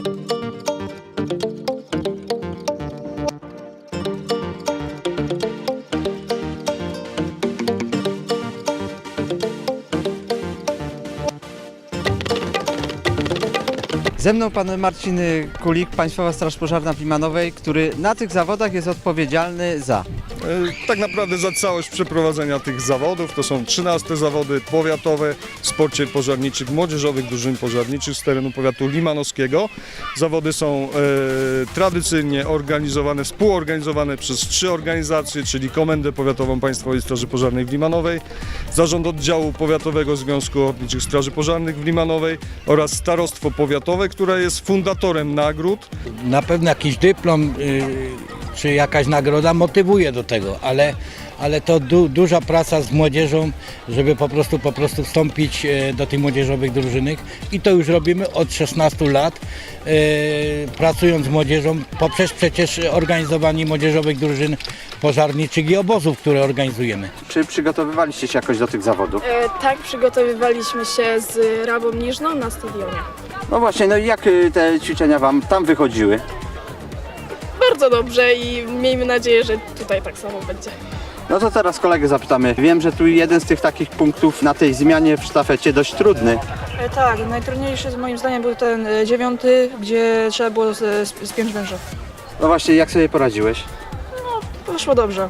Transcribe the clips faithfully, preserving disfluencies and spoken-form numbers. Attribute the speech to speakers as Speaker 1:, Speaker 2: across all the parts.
Speaker 1: Ze mną pan Marcin Kulik, Państwowa Straż Pożarna w Limanowej, który na tych zawodach jest odpowiedzialny za...
Speaker 2: Tak naprawdę za całość przeprowadzenia tych zawodów. To są trzynaste zawody powiatowe w sporcie pożarniczych młodzieżowych drużyn pożarniczych z terenu powiatu limanowskiego. Zawody są e, tradycyjnie organizowane, współorganizowane przez trzy organizacje, czyli Komendę Powiatową Państwowej Straży Pożarnej w Limanowej, Zarząd Oddziału Powiatowego Związku Ochotniczych Straży Pożarnych w Limanowej oraz Starostwo Powiatowe, które jest fundatorem nagród.
Speaker 3: Na pewno jakiś dyplom yy, czy jakaś nagroda motywuje do tego, ale, ale to du, duża praca z młodzieżą, żeby po prostu, po prostu wstąpić yy, do tych młodzieżowych drużynek i to już robimy od szesnastu lat, yy, pracując z młodzieżą poprzez przecież organizowanie młodzieżowych drużyn pożarniczych i obozów, które organizujemy.
Speaker 1: Czy przygotowywaliście się jakoś do tych zawodów?
Speaker 4: E, tak, przygotowywaliśmy się z Rabą Niżną na stadionie.
Speaker 1: No właśnie, no i jak te ćwiczenia wam tam wychodziły?
Speaker 4: Bardzo dobrze i miejmy nadzieję, że tutaj tak samo będzie.
Speaker 1: No to teraz kolegę zapytamy. Wiem, że tu jeden z tych takich punktów na tej zmianie w sztafecie dość trudny.
Speaker 5: E, tak, najtrudniejszy z moim zdaniem był ten e, dziewiąty, gdzie trzeba było spiąć węża.
Speaker 1: No właśnie, jak sobie poradziłeś?
Speaker 5: Poszło dobrze.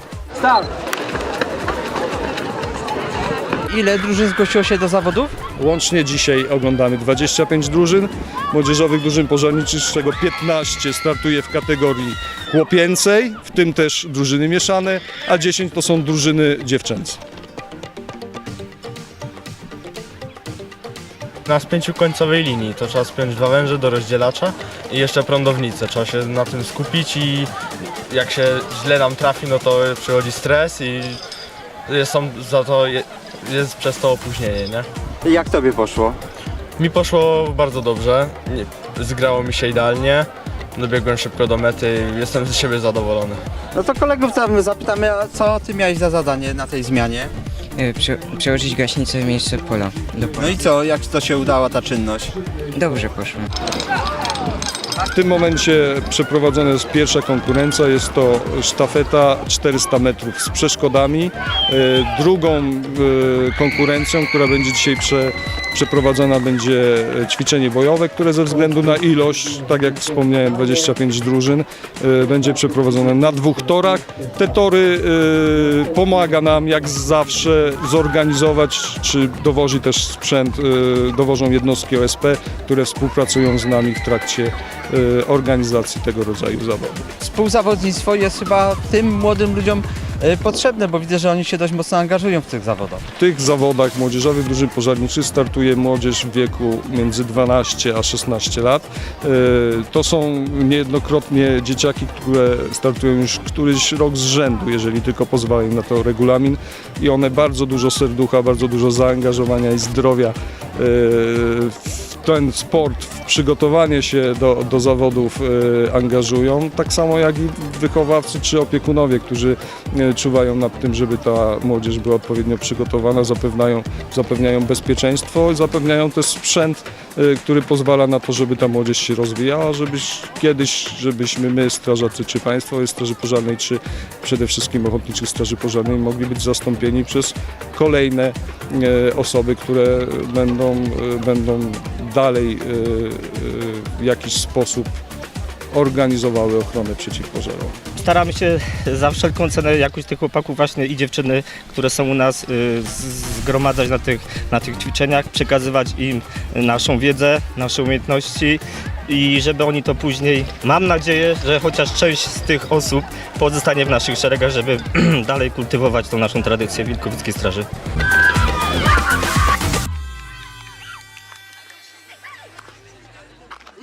Speaker 1: Ile drużyn zgłosiło się do zawodów?
Speaker 2: Łącznie dzisiaj oglądamy dwadzieścia pięć drużyn młodzieżowych drużyn pożarniczych, z czego piętnaście startuje w kategorii chłopięcej, w tym też drużyny mieszane, a dziesięć to są drużyny dziewczęce.
Speaker 6: Na spięciu końcowej linii to trzeba spiąć dwa węże do rozdzielacza i jeszcze prądownicę. Trzeba się na tym skupić i jak się źle nam trafi, no to przychodzi stres i jest, są, za to, jest przez to opóźnienie, nie?
Speaker 1: Jak tobie poszło?
Speaker 6: Mi poszło bardzo dobrze, nie, zgrało mi się idealnie, dobiegłem szybko do mety i jestem z siebie zadowolony.
Speaker 1: No to kolegów tam zapytamy, a co ty miałeś za zadanie na tej zmianie?
Speaker 7: Prze przełożyć gaśnicę w miejsce pola. Do pola.
Speaker 1: No i co, jak to się udała ta czynność?
Speaker 7: Dobrze poszło.
Speaker 2: W tym momencie przeprowadzona jest pierwsza konkurencja, jest to sztafeta czterysta metrów z przeszkodami. E, Drugą e, konkurencją, która będzie dzisiaj prze, przeprowadzona, będzie ćwiczenie bojowe, które ze względu na ilość, tak jak wspomniałem, dwadzieścia pięć drużyn, e, będzie przeprowadzone na dwóch torach. Te tory e, pomaga nam jak zawsze zorganizować, czy dowozi też sprzęt, e, dowożą jednostki O S P, które współpracują z nami w trakcie organizacji tego rodzaju zawodów.
Speaker 1: Współzawodnictwo jest chyba tym młodym ludziom potrzebne, bo widzę, że oni się dość mocno angażują w tych zawodach.
Speaker 2: W tych zawodach młodzieżowych drużyn pożarniczych startuje młodzież w wieku między dwanaście a szesnaście lat. To są niejednokrotnie dzieciaki, które startują już któryś rok z rzędu, jeżeli tylko pozwala im na to regulamin, i one bardzo dużo serducha, bardzo dużo zaangażowania i zdrowia w ten sport, w przygotowanie się do, do zawodów e, angażują, tak samo jak i wychowawcy czy opiekunowie, którzy e, czuwają nad tym, żeby ta młodzież była odpowiednio przygotowana, zapewniają, zapewniają bezpieczeństwo, zapewniają też sprzęt, e, który pozwala na to, żeby ta młodzież się rozwijała, żebyś kiedyś, żebyśmy my, strażacy czy Państwo Straży Pożarnej, czy przede wszystkim Ochotniczych Straży Pożarnej mogli być zastąpieni przez kolejne e, osoby, które będą, e, będą dalej w jakiś sposób organizowały ochronę przeciwpożarową.
Speaker 8: Staramy się za wszelką cenę jakoś tych chłopaków właśnie i dziewczyny, które są u nas, zgromadzać na tych, na tych ćwiczeniach, przekazywać im naszą wiedzę, nasze umiejętności i żeby oni to później, mam nadzieję, że chociaż część z tych osób pozostanie w naszych szeregach, żeby dalej kultywować tą naszą tradycję Wilkowickiej Straży.